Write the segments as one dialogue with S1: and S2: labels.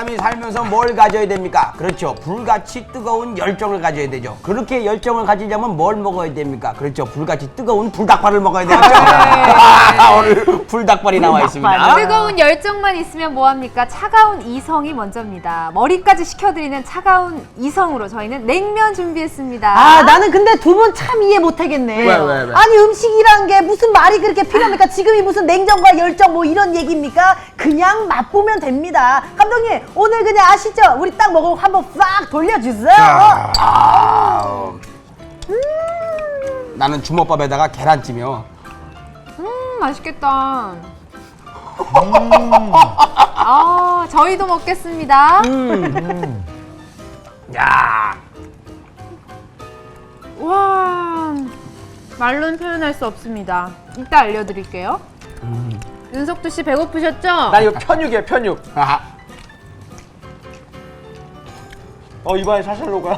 S1: 사람이 살면서 뭘 가져야 됩니까? 그렇죠. 불같이 뜨거운 열정을 가져야 되죠. 그렇게 열정을 가지려면 뭘 먹어야 됩니까? 그렇죠. 불같이 뜨거운 불닭발을 먹어야 되겠죠. 오늘 불닭발이 나와 있습니다.
S2: 뜨거운 열정만 있으면 뭐합니까? 차가운 이성이 먼저입니다. 머리까지 식혀드리는 차가운 이성으로 저희는 냉면 준비했습니다.
S3: 아, 나는 근데 두 분 참 이해 못하겠네.
S1: 왜?
S3: 아니, 음식이란 게 무슨 말이 그렇게 필요합니까? 지금이 무슨 냉정과 열정 뭐 이런 얘기입니까? 그냥 맛보면 됩니다. 감독님, 오늘 그냥 아시죠? 우리 딱 먹으고 한번 싹 돌려주세요.
S1: 나는 주먹밥에다가 계란찜이요.
S2: 맛있겠다. 저희도 먹겠습니다.
S1: 야,
S2: 와, 말로는 표현할 수 없습니다. 이따 알려드릴게요. 윤석두 씨 배고프셨죠?
S4: 나 이거 편육이에요, 편육.
S1: 아하.
S4: 입안에 살살 녹아요.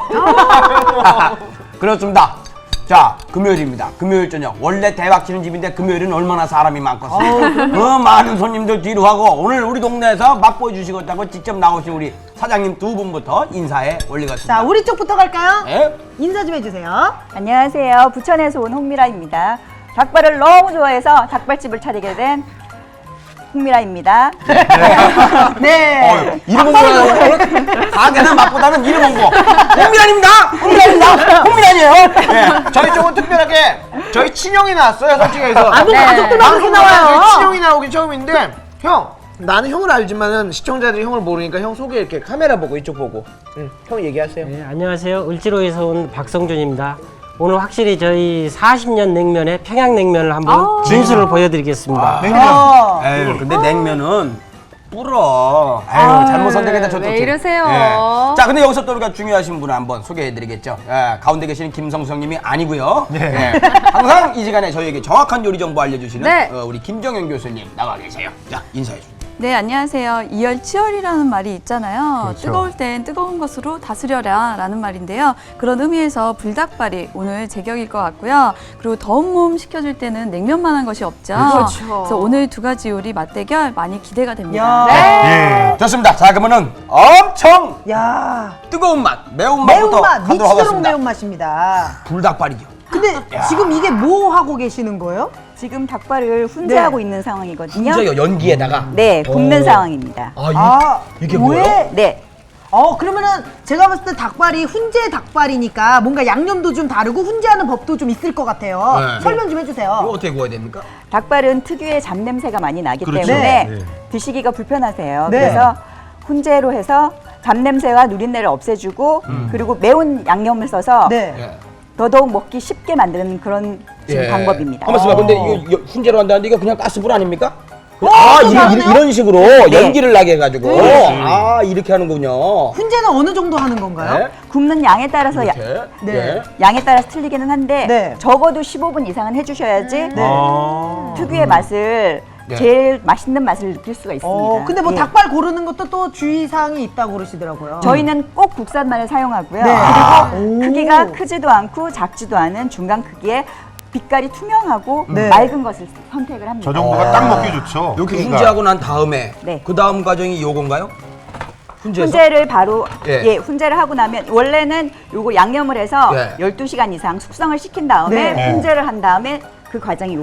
S1: 그렇습니다. 자, 금요일입니다. 금요일 저녁. 원래 대박 치는 집인데 금요일은 얼마나 사람이 많겠어요. 많은 손님들 뒤로 하고 오늘 우리 동네에서 맛보여 주시겠다고 직접 나오신 우리 사장님 두 분부터 인사해 올리겠습니다.
S3: 자, 우리 쪽부터 갈까요?
S1: 네?
S3: 인사 좀 해주세요.
S5: 안녕하세요. 부천에서 온 홍미라입니다. 닭발을 너무 좋아해서 닭발집을 차리게 된 홍미라입니다.
S3: 네.
S1: 이름 홍보하는 가게는 맛보다는 이름 홍보. 홍미란입니다. 홍미란입니다. 홍미란이에요.
S4: 네, 저희 쪽은 특별하게 저희 친형이 나왔어요, 솔직히 해서.
S3: 아, 뭐 가족들만 그렇게 나와요.
S4: 저희 친형이 나오긴 처음인데, 형, 나는 형을 알지만은 시청자들이 형을 모르니까 형 소개 이렇게 카메라 보고 이쪽 보고. 형 얘기하세요.
S6: 네, 안녕하세요. 을지로에서 온 박성준입니다. 오늘 확실히 저희 40년 냉면의 평양냉면을 한번 진수를 보여드리겠습니다.
S1: 에휴, 근데 냉면은 불어. 에휴, 잘못 선택했다 저
S2: 왜 이러세요?
S1: 자, 근데 여기서 또 우리가 중요하신 분을 한번 소개해드리겠죠. 가운데 계시는 김성성님이 아니고요. 항상 이 시간에 저희에게 정확한 요리 정보 알려주시는
S2: 네.
S1: 우리 김정현 교수님 나와 계세요. 자, 인사해 주세요.
S7: 네, 안녕하세요. 이열치열이라는 말이 있잖아요. 뜨거울 땐 뜨거운 것으로 다스려라 라는 말인데요. 그런 의미에서 불닭발이 오늘 제격일 것 같고요. 그리고 더운 몸 식혀줄 때는 냉면만한 것이 없죠.
S2: 그렇죠.
S7: 그래서 오늘 두 가지 요리 맞대결 많이 기대가 됩니다.
S3: 야.
S2: 네.
S1: 좋습니다. 자, 그러면은 엄청
S3: 야.
S1: 뜨거운 맛, 매운맛부터
S3: 매운맛,
S1: 가도록
S3: 미치도록
S1: 하겠습니다.
S3: 매운맛입니다.
S1: 불닭발이죠.
S3: 근데 지금 이게 뭐 하고 계시는 거예요?
S5: 지금 닭발을 훈제하고 있는 상황이거든요.
S1: 진짜요, 연기에다가.
S5: 네, 굽는 상황입니다.
S1: 이게
S3: 왜?
S1: 뭐예요?
S5: 네.
S3: 그러면은 제가 봤을 때 닭발이 훈제 닭발이니까 뭔가 양념도 좀 다르고 훈제하는 법도 좀 있을 것 같아요.
S1: 네.
S3: 설명 좀
S1: 이거
S3: 해주세요.
S1: 어떻게 구워야 됩니까?
S5: 닭발은 특유의 잡냄새가 많이 나기
S1: 그렇죠.
S5: 때문에
S1: 네.
S5: 드시기가 불편하세요.
S3: 네.
S5: 그래서 훈제로 해서 잡냄새와 누린내를 없애주고 그리고 매운 양념을 써서
S3: 네.
S1: 예.
S5: 더더욱 먹기 쉽게 만드는 그런 지금 방법입니다.
S1: 한번 봐. 근데 이거 훈제로 한다는데 이거 그냥 가스불 아닙니까?
S3: 또 다르네요?
S1: 이런 식으로
S5: 네.
S1: 연기를 나게 해가지고 이렇게 하는군요.
S3: 훈제는 어느 정도 하는 건가요?
S1: 네.
S5: 굽는 양에 따라서
S1: 이렇게.
S3: 네.
S5: 양에 따라서 틀리기는 한데
S3: 네.
S5: 적어도 15분 이상은 해주셔야지 특유의 맛을
S1: 네.
S5: 제일 맛있는 맛을 느낄 수가 있습니다.
S3: 근데 뭐
S5: 예.
S3: 닭발 고르는 것도 또 주의사항이 있다고 그러시더라고요.
S5: 저희는 꼭 국산만을 사용하고요.
S3: 네.
S5: 그리고
S3: 오.
S5: 크기가 크지도 않고 작지도 않은 중간 크기에 빛깔이 투명하고
S3: 네.
S5: 맑은 것을 선택을 합니다.
S8: 저 정도가 딱 먹기 좋죠.
S1: 이렇게
S8: 그러니까.
S1: 훈제하고 난 다음에
S5: 네.
S1: 그 다음 과정이 요건가요? 훈제에서?
S5: 훈제를 바로
S1: 예.
S5: 훈제를 하고 나면 원래는 요거 양념을 해서
S1: 네.
S5: 12시간 이상 숙성을 시킨 다음에
S3: 네.
S5: 훈제를 한 다음에 그 과정이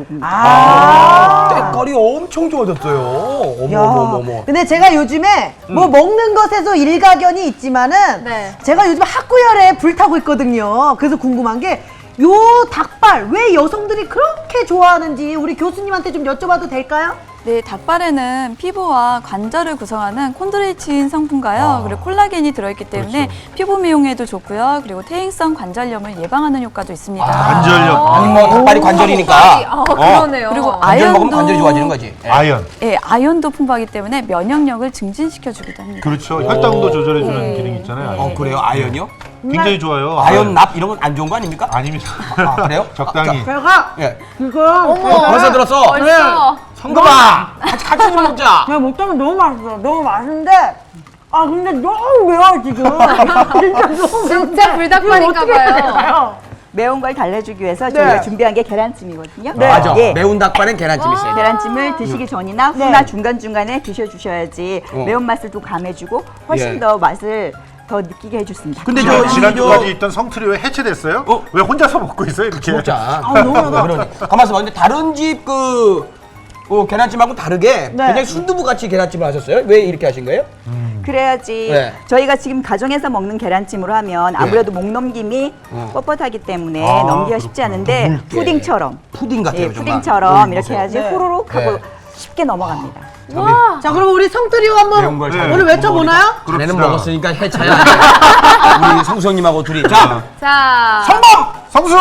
S5: 요겁니다.
S1: 때깔이 엄청 좋아졌어요.
S3: 야,
S1: 어머머머머.
S3: 근데 제가 요즘에 뭐 먹는 것에도 일가견이 있지만은
S2: 네.
S3: 제가 요즘 학구열에 불타고 있거든요. 그래서 궁금한 게 요 닭발 왜 여성들이 그렇게 좋아하는지 우리 교수님한테 좀 여쭤봐도 될까요?
S7: 네, 닭발에는 피부와 관절을 구성하는 콘드로이친 성분과요. 그리고 콜라겐이 들어있기 때문에 피부 미용에도 좋고요. 그리고 퇴행성 관절염을 예방하는 효과도 있습니다.
S8: 관절력,
S1: 아니 뭐 닭발이 관절이니까.
S2: 그러네요.
S7: 그리고
S1: 관절 먹으면
S7: 아연도
S1: 관절이 좋아지는 거지. 예.
S8: 아연.
S7: 예, 아연도 풍부하기 때문에 면역력을 증진시켜주기도 합니다.
S8: 그렇죠. 혈당도 조절해주는 기능이 있잖아요.
S1: 그래요? 아연이요?
S8: 굉장히 좋아요.
S1: 아연 납 이런 건 안 좋은 거 아닙니까?
S8: 아닙니다.
S1: 그래요?
S8: 적당히.
S3: 제가
S1: 예.
S3: 지금
S1: 벌써 들었어.
S2: 벌써.
S1: 성금아, 같이 좀 먹자.
S3: 제가 먹자면 너무 맛있어요. 너무 맛있는데 근데 너무 매워 지금. 진짜 너무
S2: 진짜 불닭발인가 봐요.
S5: 매운 걸 달래주기 위해서
S3: 네.
S5: 저희가 준비한 게 계란찜이거든요.
S3: 네.
S1: 맞아.
S5: 예.
S1: 매운 닭발엔 계란찜 있어요.
S5: 계란찜을 드시기 전이나
S3: 네.
S5: 후나 중간중간에 드셔주셔야지
S1: 어.
S5: 매운맛을 또 감해주고 훨씬
S1: 예.
S5: 더 맛을 더 느끼게 해주습니다.
S1: 근데
S8: 지난주까지 있던 성틀이 왜 해체됐어요?
S1: 어?
S8: 왜 혼자서 먹고 있어요 이렇게?
S1: 진짜.
S3: 너무 많아.
S1: 그러니. 가만 있어봐. 근데 다른 집 계란찜하고 다르게
S3: 네.
S1: 굉장히 순두부 같이 계란찜을 하셨어요? 왜 이렇게 하신 거예요?
S5: 그래야지
S1: 네.
S5: 저희가 지금 가정에서 먹는 계란찜으로 하면 아무래도 목 넘김이 뻣뻣하기 때문에
S8: 아,
S5: 넘기가 쉽지 않은데
S1: 묽게.
S5: 푸딩처럼
S1: 푸딩 같아요,
S5: 예,
S1: 정말.
S5: 푸딩처럼 이렇게 해야지
S3: 네.
S5: 후루룩 하고
S1: 네.
S5: 쉽게 넘어갑니다.
S2: 와.
S3: 자, 그럼 우리 성트리오
S1: 매운
S3: 한번
S1: 걸
S8: 네.
S1: 잘
S3: 오늘 외쳐보나요?
S1: 자네는
S8: 그럽시다.
S1: 먹었으니까 해차야. 우리 성수 형님하고 둘이. 자,
S2: 자,
S1: 성공!
S8: 성수!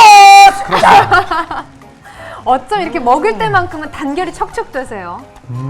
S2: 어쩜 이렇게 먹을 때만큼은 단결이 척척 되세요?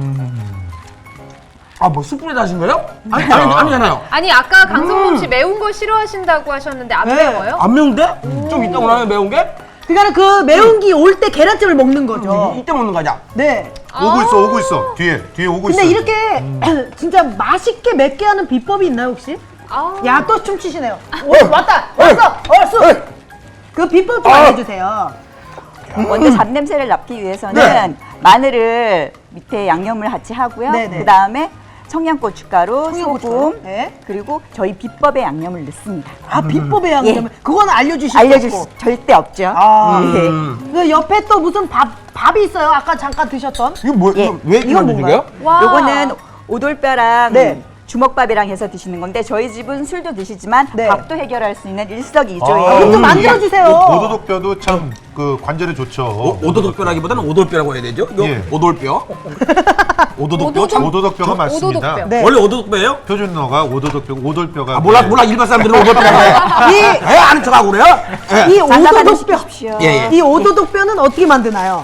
S1: 아, 뭐 숯불에다 하신 거예요? 아니잖아요.
S2: 아니 아까 강성범 씨 매운 거 싫어하신다고 하셨는데 안
S3: 네.
S2: 매워요?
S1: 안 매운데? 좀 이따 오나요, 매운 게?
S3: 그러니까 그 매운 기 올 때 계란찜을 먹는 거죠.
S1: 이때 먹는 거냐?
S3: 네.
S8: 오고 있어. 뒤에 오고 있어.
S3: 근데 이렇게 진짜 맛있게 맵게 하는 비법이 있나요, 혹시?
S2: 아.
S3: 야, 또 춤추시네요. 왔다! 왔어! 그 비법 좀 알려주세요.
S5: 먼저 잡냄새를 잡기 위해서는
S1: 네.
S5: 마늘을 밑에 양념을 같이 하고요.
S3: 네네.
S5: 그 다음에 청양고춧가루,
S3: 청양고춧가루.
S5: 소금,
S3: 네.
S5: 그리고 저희 비법의 양념을 넣습니다.
S3: 아, 비법의 양념을. 그건 알려주실 수
S5: 알려줄
S3: 없고.
S5: 수 절대 없죠.
S3: 아,
S5: 예.
S3: 그 옆에 또 무슨 밥이 있어요. 아까 잠깐 드셨던.
S1: 이거 뭐,
S5: 예.
S1: 왜
S3: 이건
S1: 이거 드신 거예요?
S2: 와.
S5: 요거는 오돌뼈랑
S3: 네.
S5: 주먹밥이랑 해서 드시는 건데 저희 집은 술도 드시지만
S3: 네.
S5: 밥도 해결할 수 있는 일석이조의
S3: 그럼 좀 만들어주세요.
S8: 오도독뼈도 참 그 관절에 좋죠.
S1: 오도독뼈라기보다는 오돌뼈라고 해야 되죠? 이거
S8: 예.
S1: 오돌뼈. 오도독뼈. 참-
S8: 오도독뼈가 맞습니다.
S2: 오도독뼈.
S3: 네.
S1: 원래 오도독뼈예요?
S8: 표준어가 오돌뼈가
S1: 아, 몰라 일반 사람들은 오돌뼈라고 해. 왜 아는 척하고 그래요? 예.
S3: 이
S5: 장사만
S3: 오도독뼈.
S5: 시키십시오.
S1: 예, 예.
S3: 이 오도독뼈는 어떻게 만드나요?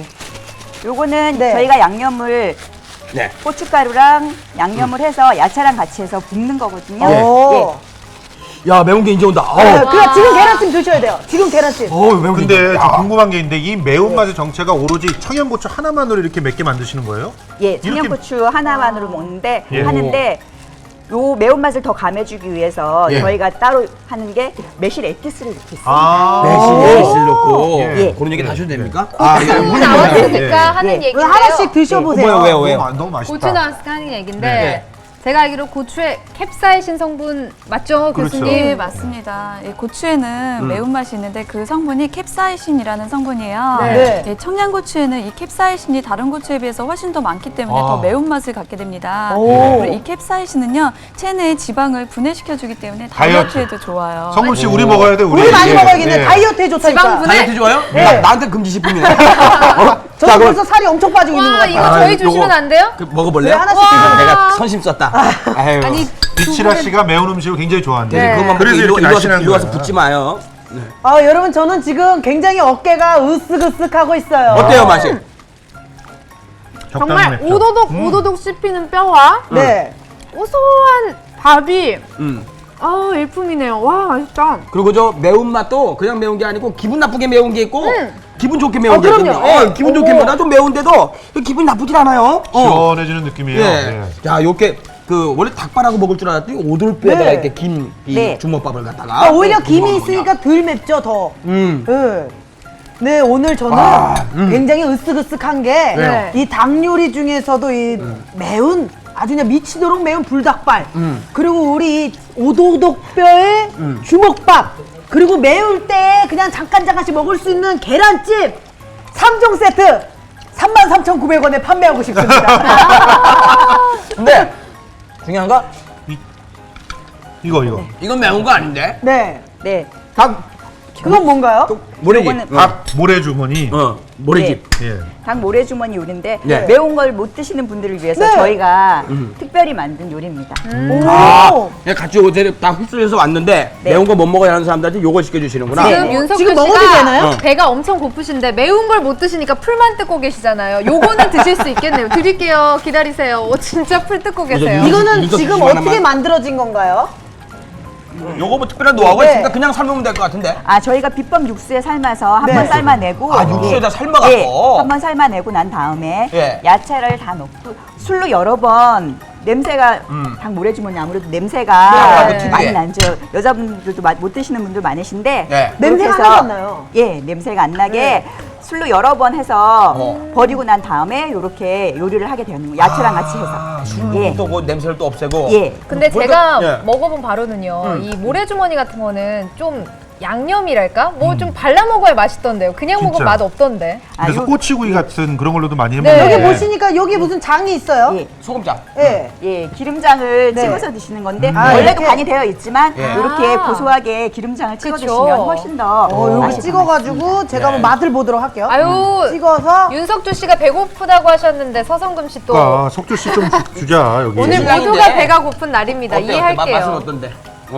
S5: 요거는
S3: 네.
S5: 저희가 양념을
S1: 네.
S5: 고춧가루랑 양념을 해서 야채랑 같이 해서 볶는 거거든요.
S3: 오.
S1: 야, 매운 게 이제 온다.
S3: 네, 그냥 지금 계란찜 드셔야 돼요. 지금 계란찜.
S1: 매운 게
S8: 근데
S1: 이제
S8: 저 궁금한 게 있는데 이 매운맛의 정체가 오로지 청양고추 하나만으로 이렇게 맵게 만드시는 거예요?
S5: 예, 청양고추 하나만으로 먹는데
S8: 예.
S5: 하는데 요 매운맛을 더 감해주기 위해서
S1: 예.
S5: 저희가 따로 하는 게 매실 에기스를 넣고 있습니다.
S8: 아.
S1: 매실 넣고
S8: 예.
S1: 그런 얘기 다 하셔도 됩니까? 아, 이거
S2: 고추
S1: 물론
S2: 나왔으니까
S8: 예.
S2: 하는
S5: 예.
S2: 얘기인데요.
S3: 하나씩 드셔보세요.
S1: 왜요?
S8: 너무 맛있다.
S2: 고추 나왔으니까 하는 얘기인데
S1: 네.
S2: 제가 알기로 고추에 캡사이신 성분 맞죠,
S8: 그렇죠.
S2: 교수님?
S7: 네, 맞습니다. 이 고추에는 매운맛이 있는데 그 성분이 캡사이신이라는 성분이에요.
S3: 네.
S7: 네, 청양고추에는 이 캡사이신이 다른 고추에 비해서 훨씬 더 많기 때문에 더 매운맛을 갖게 됩니다.
S3: 오.
S7: 그리고 이 캡사이신은요, 체내의 지방을 분해시켜주기 때문에
S8: 다이어트.
S7: 다이어트에도 좋아요.
S8: 성금 씨 우리 먹어야 돼.
S3: 우리 많이
S8: 예,
S3: 먹어야겠네.
S8: 예.
S3: 다이어트에 좋다니까.
S2: 지방 분해.
S1: 다이어트 좋아요?
S3: 네.
S1: 나한테 금지 식품이네.
S3: 저도 벌써 살이 엄청 빠지고 있는 것
S2: 와,
S3: 같아요.
S2: 이거 저희 주시면 안 돼요?
S1: 먹어볼래요?
S3: 네, 하나씩 드셔보세요.
S1: 내가 선심 썼다. 아유.
S2: 아니,
S8: 비치라 씨가 매운 음식을 굉장히 좋아한대.
S2: 네.
S1: 그것만
S8: 그래서
S1: 먹고
S8: 이렇게 날씬한
S1: 이리 와서
S8: 거야.
S1: 붙지 마요.
S3: 여러분 저는 지금 굉장히 어깨가 으쓱으쓱하고 있어요.
S1: 어때요, 맛이?
S8: 적당히
S2: 정말
S8: 맵죠.
S2: 오도독 씹히는 뼈와
S3: 네.
S2: 고소한 밥이
S1: 음.
S2: 일품이네요. 와, 맛있다.
S1: 그리고 저 매운맛도 그냥 매운 게 아니고 기분 나쁘게 매운 게 있고 기분 좋게 매운 게
S3: 그럼요.
S1: 있거든요. 기분 좋게 매운 나도 매운데도 기분이 나쁘진 않아요.
S8: 시원해지는 느낌이에요.
S1: 예.
S8: 예.
S1: 자, 요렇게 그 원래 닭발하고 먹을 줄 알았더니 오돌뼈에다가
S3: 네.
S1: 이렇게 김 이
S5: 네.
S1: 주먹밥을 갖다가
S3: 오히려
S1: 또
S3: 김이
S1: 먹는
S3: 있으니까 덜 맵죠, 더.
S1: 음.
S3: 네. 네, 오늘 저는 굉장히 으쓱으쓱한 게
S1: 왜요?
S3: 이 닭 요리 중에서도 이 매운 아주 그냥 미치도록 매운 불닭발 그리고 우리 오도독뼈의 주먹밥 그리고 매울 때 그냥 잠깐씩 먹을 수 있는 계란찜 3종 세트 33,900원에 판매하고 싶습니다.
S1: 근데 중요한 거
S8: 이거.
S1: 이건 매운 거 아닌데?
S5: 네. 네.
S1: 닭
S3: 그건 뭔가요?
S1: 모래집.
S5: 요거는
S8: 닭 모래주머니.
S1: 모래집.
S8: 예.
S5: 닭 모래주머니 요리인데
S1: 네.
S5: 매운 걸 못 드시는 분들을 위해서
S3: 네.
S5: 저희가 특별히 만든 요리입니다.
S3: 오.
S1: 그냥 같이 오늘 다 흡수해서 왔는데
S5: 네.
S1: 매운 거 못 먹어야 하는 사람들한테 요걸 시켜주시는구나.
S2: 지금
S5: 네.
S2: 윤석열
S3: 지금 먹어도
S2: 씨가
S3: 되나요?
S2: 배가 엄청 고프신데 매운 걸 못 드시니까 풀만 뜯고 계시잖아요. 요거는 드실 수 있겠네요. 드릴게요. 기다리세요. 진짜 풀 뜯고 계세요.
S3: 이거는
S1: 윤석
S3: 지금
S1: 씨
S3: 어떻게
S1: 하나만.
S3: 만들어진 건가요?
S1: 요거 뭐 특별한 노하우가
S3: 네.
S1: 있으니까 그냥 삶으면 될 것 같은데.
S5: 아, 저희가 비법 육수에 삶아서 한번
S3: 네.
S5: 삶아내고
S1: 아, 육수에다 삶아갖고?
S5: 예, 한번 삶아내고 난 다음에
S1: 예.
S5: 야채를 다 넣고 술로 여러 번 냄새가 닭 모래주머니 아무래도 냄새가
S1: 아무래도 특이해.
S5: 많이 나죠. 여자분들도 못 드시는 분들 많으신데
S1: 네.
S3: 냄새가
S5: 그렇게
S3: 하나도
S5: 해서
S3: 안 나요.
S5: 예, 냄새가 안 나게 술로 여러 번 해서 버리고 난 다음에 이렇게 요리를 하게 되는 거예요. 야채랑 같이 해서. 예.
S1: 술도 그 냄새를 또 없애고.
S5: 예.
S2: 근데
S1: 뭐가-
S2: 제가
S1: 예.
S2: 먹어본 바로는요, 이 모래주머니 같은 거는 좀 양념이랄까? 뭐 좀 발라 먹어야 맛있던데요. 그냥 먹으면
S8: 진짜.
S2: 맛 없던데.
S8: 그래서
S5: 요-
S8: 꼬치구이 같은 그런 걸로도 많이 해
S2: 네.
S8: 먹는데.
S3: 여기 보시니까 여기 무슨 장이 있어요.
S5: 예.
S1: 소금장.
S3: 예.
S5: 예, 기름장을
S3: 네.
S5: 찍어서 드시는 건데
S3: 아,
S5: 원래도
S3: 이렇게?
S5: 간이 되어 있지만
S1: 예.
S5: 이렇게
S2: 아.
S5: 고소하게 기름장을 찍어
S2: 그쵸.
S5: 드시면 훨씬 더
S3: 여기
S5: 맛이 더
S3: 찍어가지고 제가 한번 맛을 보도록 할게요.
S2: 아유,
S3: 찍어서
S2: 윤석주 씨가 배고프다고 하셨는데 서성금 씨 또
S8: 그러니까 석주 씨 좀 주자 여기.
S2: 오늘
S1: 신랑인데.
S2: 모두가 배가 고픈 날입니다.
S1: 어때? 맛은
S2: 이해할게요.
S1: 어떤데?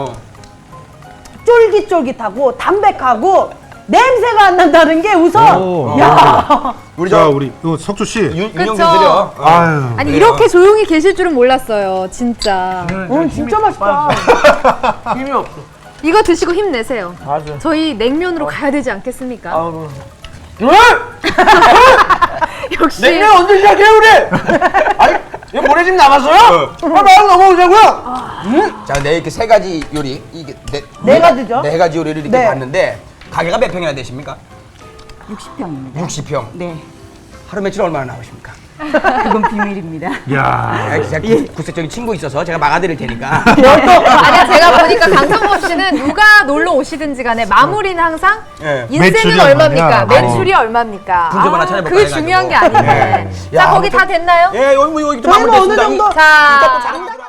S3: 쫄깃쫄깃하고 담백하고 냄새가 안 난다는 게 우선
S8: 오.
S3: 야
S1: 우리
S8: 자
S1: 저
S8: 우리 요 석주 씨.
S1: 윤영
S2: 그쵸.
S1: 좀 드려.
S8: 아유.
S2: 아니
S1: 그래요.
S2: 이렇게 조용히 계실 줄은 몰랐어요. 진짜.
S3: 오늘 진짜 맛있다.
S4: 힘이 없어.
S2: 이거 드시고 힘내세요.
S4: 맞아.
S2: 저희 냉면으로 가야 되지 않겠습니까?
S4: 아우.
S2: 역시
S4: 냉면 언제 시작해 우리? 아니 이거 모래집 남았어요? 바로 넘어오자고요.
S1: 자, 내 이렇게 세 가지 요리 이게
S3: 네 가지죠?
S1: 네 가지 요리를 이렇게
S3: 네.
S1: 봤는데 가게가 몇 평이나 되십니까?
S5: 60평입니다.
S1: 60평.
S5: 네.
S1: 하루 매출 얼마나 나오십니까?
S5: 그건 비밀입니다.
S8: 야.
S1: 제가 구체적인 친구 있어서 제가 막아드릴 테니까.
S2: 아니 제가 보니까 강성범 씨는 누가 놀러 오시든지 간에 마무리는 항상
S1: 예.
S2: 인생은
S8: 매출이
S2: 얼마입니까?
S8: 얼마냐?
S2: 매출이 얼마입니까?
S1: 분점 하나 찾아볼까
S2: 그게
S1: 해가지고.
S2: 중요한 게 아닌데.
S1: 예.
S2: 자
S1: 야,
S2: 거기 다 됐나요?
S1: 예, 여기 뭐 여기 좀
S3: 저희는
S1: 마무리됐습니다.
S3: 어느 정도
S2: 자
S1: 장담